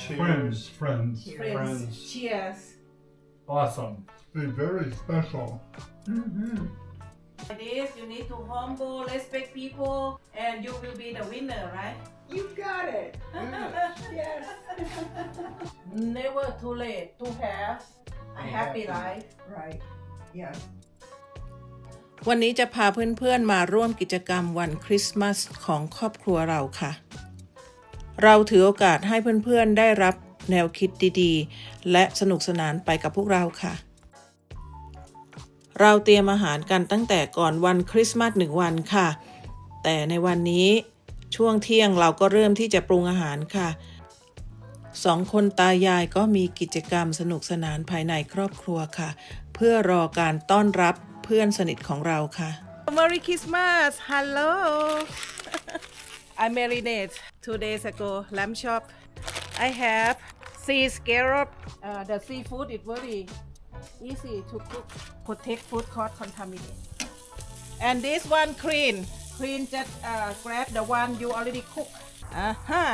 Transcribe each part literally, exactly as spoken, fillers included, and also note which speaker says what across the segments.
Speaker 1: Friends, friends.
Speaker 2: Friends.
Speaker 1: Friends.
Speaker 2: Cheers.
Speaker 1: Awesome.
Speaker 3: They're very special.
Speaker 2: Mm-hmm. It is, you need to humble, respect people, and you will be the winner, right?
Speaker 4: You got it. Yes.
Speaker 2: Never too late to have a happy life.
Speaker 4: Right. Yes.
Speaker 5: วันนี้จะพาเพื่อนๆมาร่วมกิจกรรมวันคริสต์มาสของครอบครัวเราค่ะเราถือโอกาสให้เพื่อนๆได้รับแนวคิดดีๆและสนุกสนานไปกับพวกเราค่ะเราเตรียมอาหารกันตั้งแต่ก่อนวันคริสต์มาสหนึ่งวันค่ะแต่ในวันนี้ช่วงเที่ยงเราก็เริ่มที่จะปรุงอาหารค่ะสองคนตายายก็มีกิจกรรมสนุกสนานภายในครอบครัวค่ะเพื่อรอการต้อนรับเพื่อนสนิทของเราค่ะ Merry Christmas Hello I marinate two days ago lamb chop I have sea scallop uh, the seafood is very easy to cook protect food cause contaminate and this one clean clean just uh, grab the one you already cook aha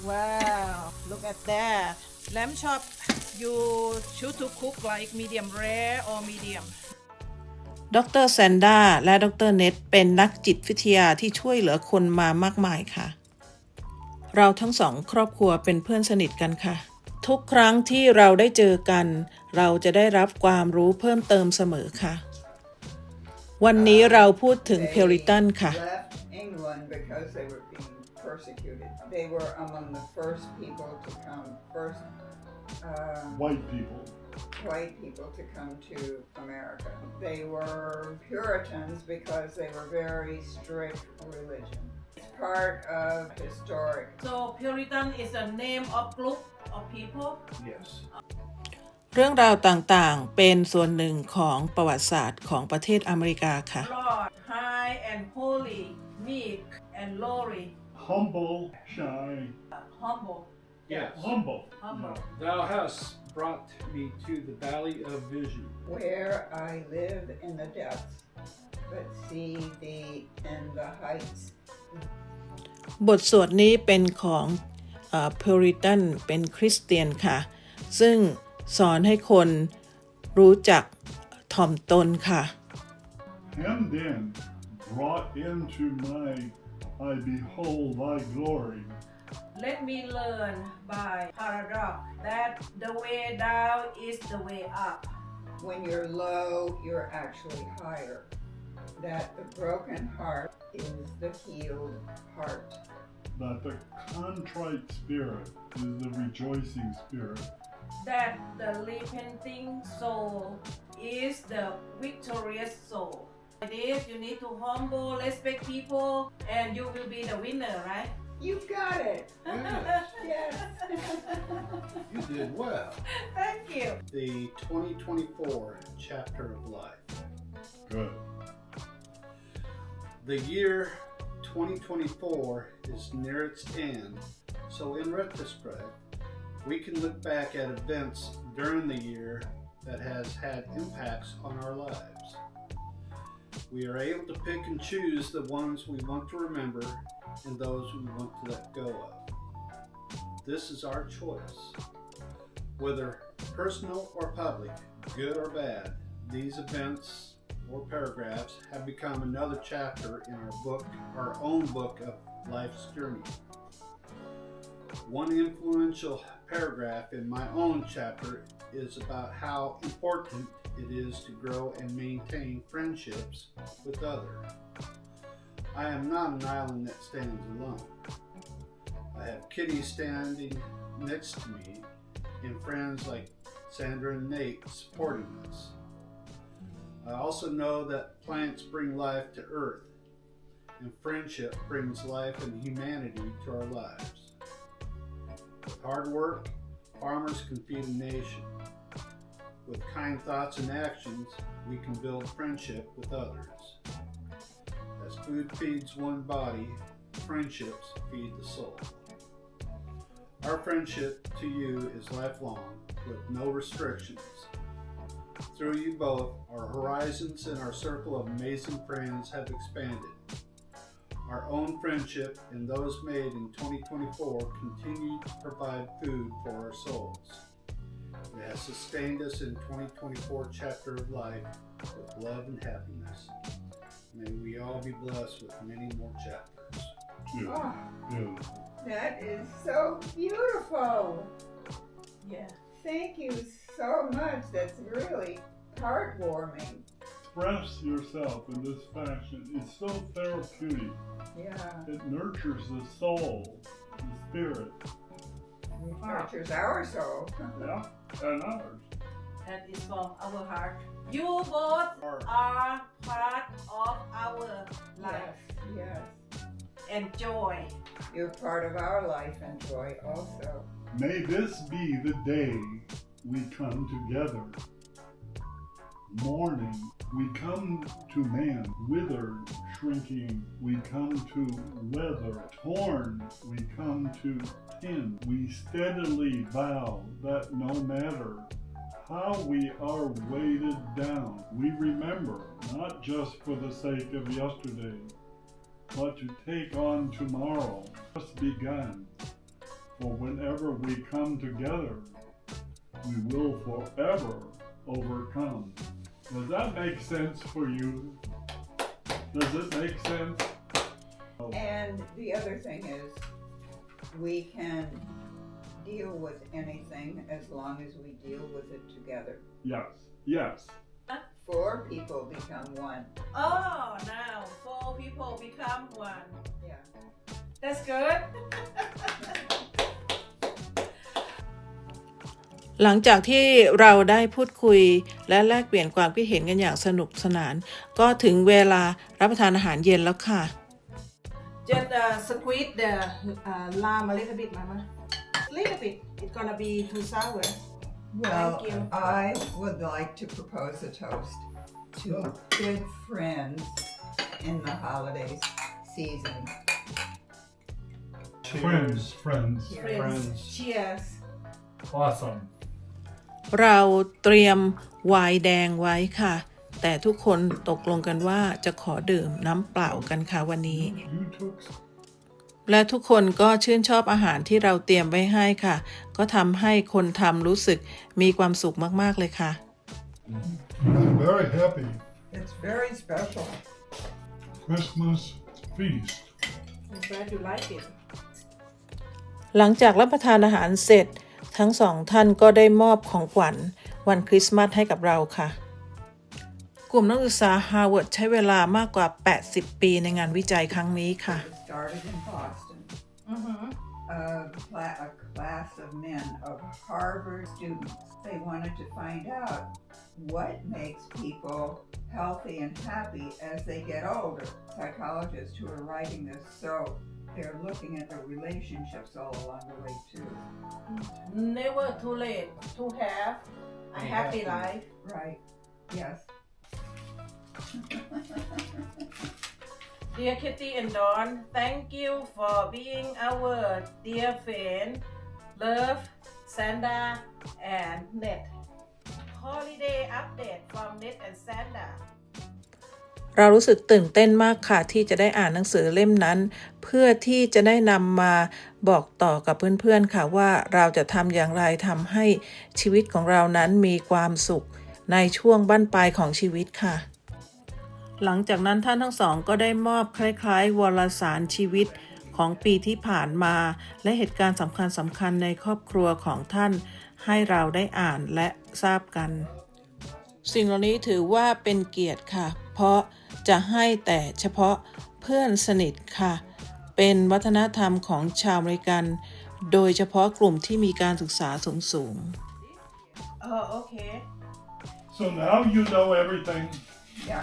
Speaker 5: wow look at that lamb chop you choose to cook like medium rare or medium ดรแซนด้าและดรเน็ตเป็นนักจิตวิทยาที่ช่วยเหลือคนมามากมายค่ะเราทั้งสองครอบครัวเป็นเพื่อนสนิทกันค่ะทุกครั้งที่เราได้เจอกันเราจะได้รับความรู้เพิ่มเติมเสมอค่ะวันนี้เราพูดถึงเพลริตันค่ะ
Speaker 4: England because they were being persecuted. They were among the first people to come, first um,
Speaker 3: White people.
Speaker 4: white people to come to America. They were Puritans because they were very strict religion. It's part of historic.
Speaker 2: So Puritan is a name of group of people.
Speaker 1: Yes.
Speaker 5: เรื่องราวต่างๆเป็นส่วนหนึ่งของประวัติศาสตร์ของประเทศอเมริกาค่ะ
Speaker 2: Lord, high and holy, meek and lowly,
Speaker 3: Humble, shy,
Speaker 2: humble,
Speaker 1: Yes.
Speaker 3: humble.
Speaker 2: humble.
Speaker 1: Thou hast brought me to the valley of vision.
Speaker 4: Where I live in the depths, but see thee in the heights.
Speaker 5: บทสวดนี้เป็นของเอ่อ Puritan เป็นคริสเตียนค่ะซึ่งสอนให้คนรู้จักถ่อมตนค่ะ
Speaker 3: Hemmed in, brought into my, I behold thy glory.
Speaker 2: Let me learn by paradox that the way down is the way up.
Speaker 4: When you're low, you're actually higher. That the broken heart is the healed heart.
Speaker 3: That the contrite spirit is the rejoicing spirit.
Speaker 2: That the repenting soul is the victorious soul. It is, you need to humble, respect people, and you will be the winner, right?
Speaker 4: You got it. Yes.
Speaker 1: You did well.
Speaker 2: Thank you.
Speaker 6: The twenty twenty-four chapter of life.
Speaker 3: Good.
Speaker 6: The year twenty twenty-four is near its end, so in retrospect, we can look back at events during the year that has had impacts on our lives. We are able to pick and choose the ones we want to remember and those we want to let go of. This is our choice. Whether personal or public, good or bad, these events or paragraphs have become another chapter in our book, our own book of life's journey. One influential paragraph in my own chapter is about how important it is to grow and maintain friendships with others. I am not an island that stands alone. I have Kitty standing next to me and friends like Sandra and Nate supporting us. I also know that plants bring life to earth and friendship brings life and humanity to our lives. With hard work, farmers can feed a nation. With kind thoughts and actions, we can build friendship with others. As food feeds one body, friendships feed the soul. Our friendship to you is lifelong, with no restrictions. Through you both, our horizons and our circle of amazing friends have expanded. Our own friendship and those made in twenty twenty-four continue to provide food for our souls. It has sustained us in twenty twenty-four chapter of life with love and happiness. May we all be blessed with many more chapters.
Speaker 3: Yeah.
Speaker 4: Oh,
Speaker 3: Yeah.
Speaker 4: that is so beautiful.
Speaker 2: Yeah.
Speaker 4: Thank you so much. That's really heartwarming.
Speaker 3: Express yourself in this fashion. It's so therapeutic.
Speaker 4: Yeah.
Speaker 3: It nurtures the soul, the spirit.
Speaker 4: It nurtures our soul.
Speaker 3: Yeah, and ours.
Speaker 2: That is from our heart. You both
Speaker 6: Heart.
Speaker 2: are part of our life
Speaker 4: Yes, yes.
Speaker 2: and joy.
Speaker 4: You're part of our life and joy also.
Speaker 3: May this be the day we come together. Mourning, we come to man, withered, shrinking, we come to weather, torn, we come to tin. We steadily vow that no matter how we are weighted down, we remember, not just for the sake of yesterday, but to take on tomorrow, just begun. For whenever we come together, we will forever overcome. Does that make sense for you? Does it make sense?
Speaker 4: And the other thing is, we can deal with anything as long as we deal with it together.
Speaker 3: Yes, yes.
Speaker 4: Four people become one.
Speaker 2: Oh, now four people become one.
Speaker 4: Yeah.
Speaker 2: That's good.
Speaker 5: หลังจากที่เราได้พูดคุยและแลกเปลี่ยนความคิดเห็นกันอย่างสนุกสนานก็ถึงเวลารับประทานอาหารเย็นแล้วค่ะ
Speaker 2: Just uh, squeeze the uh, lime a little bit, Mama. Little bit. It's gonna be too sour.
Speaker 4: Well,
Speaker 2: Thank you.
Speaker 4: I would like to propose a toast to good friends in the holiday season.
Speaker 3: Friends, friends.
Speaker 2: Friends.
Speaker 6: Friends.
Speaker 2: Cheers.
Speaker 3: Awesome.
Speaker 5: เราเตรียมไวน์แดงไว้ค่ะ แต่ทุกคนตกลงกันว่าจะขอดื่มน้ำเปล่ากันค่ะวันนี้
Speaker 3: You took
Speaker 5: และทุกคนก็ชื่นชอบอาหารที่เราเตรียมไว้ให้ค่ะ ก็ทำให้คนทำรู้สึกมีความสุขมากๆเลยค่ะ
Speaker 3: I'm very happy.
Speaker 4: It's very special.
Speaker 3: Christmas feast.
Speaker 2: I'm glad you like it.
Speaker 5: หลังจากรับประทานอาหารเสร็จทั้งสองท่านก็ได้มอบของขวัญวันคริสต์มาสให้กับเราค่ะ กลุ่มนักศึกษาฮาร์วาร์ดใช้เวลามากกว่าแปดสิบปีในงานวิจัยครั้งนี้ค่ะ
Speaker 4: It started in Boston.
Speaker 2: Mm-hmm.
Speaker 4: A, cla- a class of men, of Harvard students. They wanted to find out what makes people healthy and happy as they get older. Psychologists who are writing this, so they're looking at the relationships all along the way too.
Speaker 2: Never too late to have a happy life.
Speaker 4: Right? Yes.
Speaker 2: Dear Kitty and Dawn, thank you for being our dear friend. Love, Sandra, and Ned. Holiday update from Ned and Sandra.
Speaker 5: เรารู้สึกตื่นเต้นมากค่ะที่จะได้อ่านหนังสือเล่มนั้น เพื่อที่จะได้นำมาบอกต่อกับเพื่อนๆค่ะว่าเราจะทำอย่างไรทำให้ชีวิตของเรานั้นมีความสุขในช่วงบั้นปลายของชีวิตค่ะ หลังจากนั้นท่านทั้งสองก็ได้มอบคล้ายๆวารสารชีวิตของปีที่ผ่านมาและเหตุการณ์สำคัญสำคัญในครอบครัวของท่านให้เราได้อ่านและทราบกันสิ่งเหล่านี้ถือว่าเป็นเกียรติค่ะเพราะจะให้แต่เฉพาะเพื่อนสนิทค่ะเป็นวัฒนธรรมของชาวอเมริกันโดยเฉพาะกลุ่มที่มีการศึกษาสูง
Speaker 2: Oh, okay.
Speaker 3: So now you know everything.
Speaker 4: Yeah.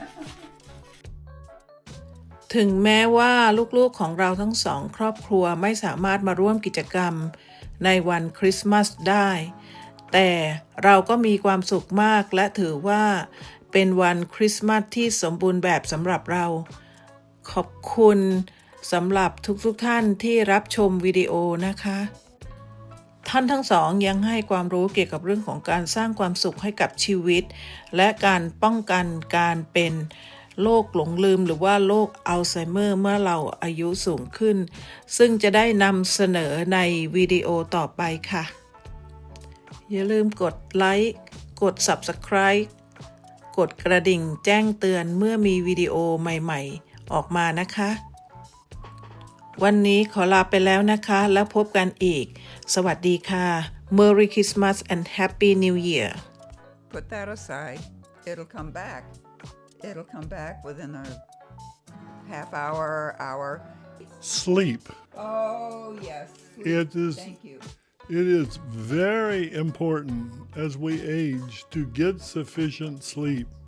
Speaker 5: ๆถึงแม้ว่าลูกๆของเราทั้งสองครอบครัวไม่สามารถมาร่วมกิจกรรมในวันคริสต์มาสได้แต่เราก็มีความสุขมากและถือว่าเป็นวันคริสต์มาสที่สมบูรณ์แบบสำหรับเราขอบคุณสำหรับทุกๆท่านที่รับชมวิดีโอนะคะท่านทั้งสองยังให้ความรู้เกี่ยวกับเรื่องของการสร้างความสุขให้กับชีวิตและการป้องกันการเป็นโรคหลงลืมหรือว่าโรคอัลไซเมอร์เมื่อเราอายุสูงขึ้น ซึ่งจะได้นำเสนอในวิดีโอต่อไปค่ะ อย่าลืมกดไลค์ กด Subscribe กดกระดิ่งแจ้งเตือนเมื่อมีวิดีโอใหม่ๆออกมานะคะ วันนี้ขอลาไปแล้วนะคะแล้วพบกันอีก สวัสดีค่ะ Merry Christmas and Happy New Year
Speaker 4: Put that aside. It'll come back. It'll come back within a half hour, hour.
Speaker 3: Sleep.
Speaker 4: Oh, yes.
Speaker 3: It is
Speaker 4: Thank you.
Speaker 3: it is very important as we age to get sufficient sleep.